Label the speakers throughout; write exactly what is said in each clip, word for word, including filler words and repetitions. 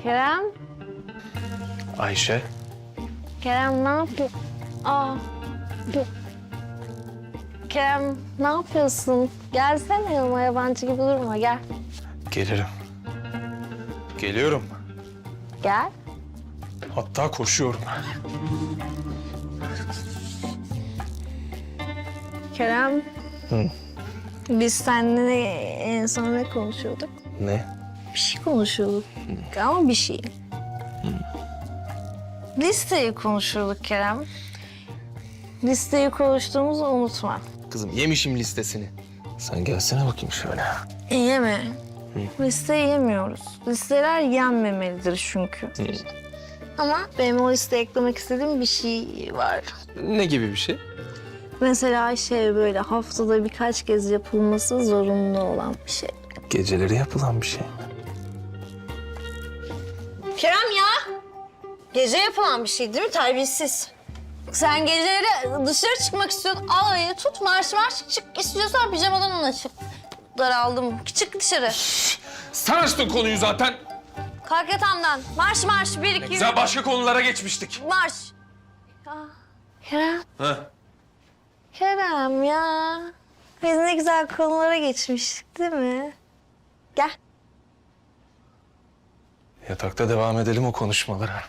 Speaker 1: Kerem,
Speaker 2: Ayşe.
Speaker 1: Kerem ne yapıyor? Aa, dur. Kerem ne yapıyorsun? Gelsene yanıma, yabancı gibi durma, gel.
Speaker 2: Gelirim. Geliyorum.
Speaker 1: Gel.
Speaker 2: Hatta koşuyorum.
Speaker 1: Kerem.
Speaker 2: Hı.
Speaker 1: Biz seninle en son ne konuşuyorduk?
Speaker 2: Ne?
Speaker 1: Bir şey konuşuyorduk ama bir şey. Listeyi konuşuyorduk Kerem. Listeyi konuştuğumuzu unutma.
Speaker 2: Kızım yemişim listesini. Sen gelsene bakayım şöyle.
Speaker 1: Yeme. Listeyi yemiyoruz. Listeler yenmemelidir çünkü.
Speaker 2: Hı.
Speaker 1: Ama benim o listeye eklemek istediğim bir şey var.
Speaker 2: Ne gibi bir şey?
Speaker 1: Mesela şey böyle haftada birkaç kez yapılması zorunlu olan bir şey.
Speaker 2: Geceleri yapılan bir şey.
Speaker 1: Kerem ya! Gece yapılan bir şey değil mi? Terbiyesiz. Sen geceleri dışarı çıkmak istiyordun. Al ayı tut marş marş çık. İstiyorsan pijamadan ona çık. Daraldım. Çık dışarı.
Speaker 2: Sen açtın konuyu zaten.
Speaker 1: Kalk yatağımdan. Marş marş. Bir, iki,
Speaker 2: Güzel başka konulara geçmiştik.
Speaker 1: marş. Ya, Kerem.
Speaker 2: Ha?
Speaker 1: Kerem ya. Biz ne güzel konulara geçmiştik değil mi? Gel.
Speaker 2: Yatakta devam edelim o konuşmalara.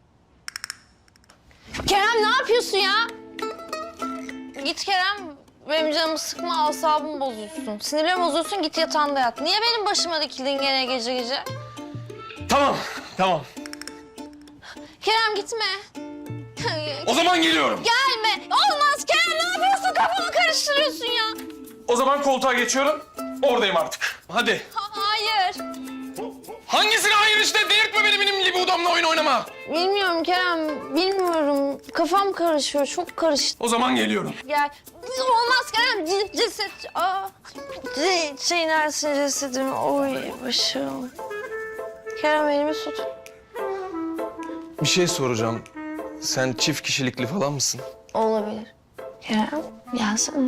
Speaker 1: Kerem ne yapıyorsun ya? Git Kerem. Benim canımı sıkma, asabımı bozuyorsun. Sinirlerimi bozuyorsun, git yatağında yat. Niye benim başıma dikildin gene gece gece?
Speaker 2: Tamam, tamam.
Speaker 1: Kerem gitme.
Speaker 2: O zaman geliyorum.
Speaker 1: Gelme. Olmaz Kerem, ne yapıyorsun? Kafamı karıştırıyorsun ya.
Speaker 2: O zaman koltuğa geçiyorum. Oradayım artık. Hadi.
Speaker 1: Ha, hayır.
Speaker 2: Hangisine hayır işte? Delirtme beni benim libidamla oyun oynama.
Speaker 1: Bilmiyorum Kerem, bilmiyorum. Kafam karışıyor, çok karıştı.
Speaker 2: O zaman geliyorum.
Speaker 1: Gel. Olmaz Kerem, c- ceset. Aa, c- şey nersin cesedim? Oy başım. Kerem elimi tut.
Speaker 2: Bir şey soracağım. Sen çift kişilikli falan mısın?
Speaker 1: Olabilir. Kerem, gelsene.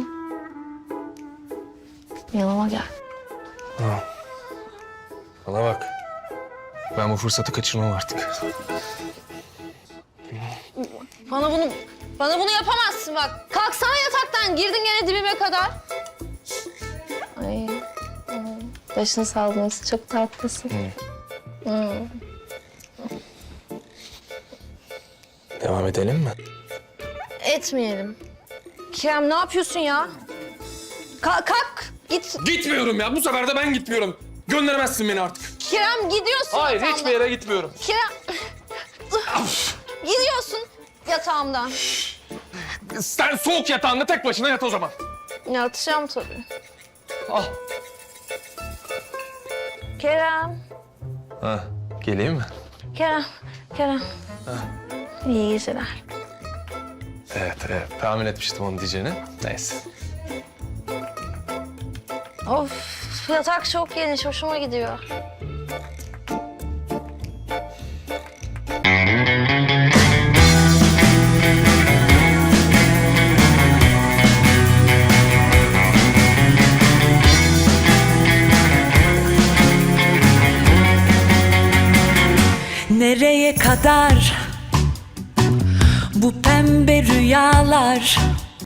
Speaker 1: Yanıma gel.
Speaker 2: Ha. Bana bak. Ben bu fırsatı kaçırmam artık.
Speaker 1: Bana bunu, bana bunu yapamazsın bak. Kalksana yataktan, girdin gene dibime kadar. Ay, ay. Başını sallması çok tatlısın.
Speaker 2: Hı.
Speaker 1: Hı.
Speaker 2: Devam edelim mi?
Speaker 1: Etmeyelim. Kerem ne yapıyorsun ya? Kalk, kalk. Git.
Speaker 2: Gitmiyorum ya. Bu sefer de ben gitmiyorum. Gönderemezsin beni artık.
Speaker 1: Kerem gidiyorsun
Speaker 2: Hayır,
Speaker 1: yatağımdan.
Speaker 2: hiçbir yere gitmiyorum.
Speaker 1: Kerem. Gidiyorsun yatağımdan.
Speaker 2: Sen soğuk yatağında tek başına yat o zaman.
Speaker 1: Yatacağım tabii.
Speaker 2: Al.
Speaker 1: Kerem.
Speaker 2: Ha, geleyim mi?
Speaker 1: Kerem. Kerem. İyi geceler.
Speaker 2: Evet, evet. Tahmin etmiştim onu diyeceğini. Neyse.
Speaker 1: Of, yatak çok geniş, hoşuma gidiyor.
Speaker 3: Nereye kadar bu pembe rüyalar?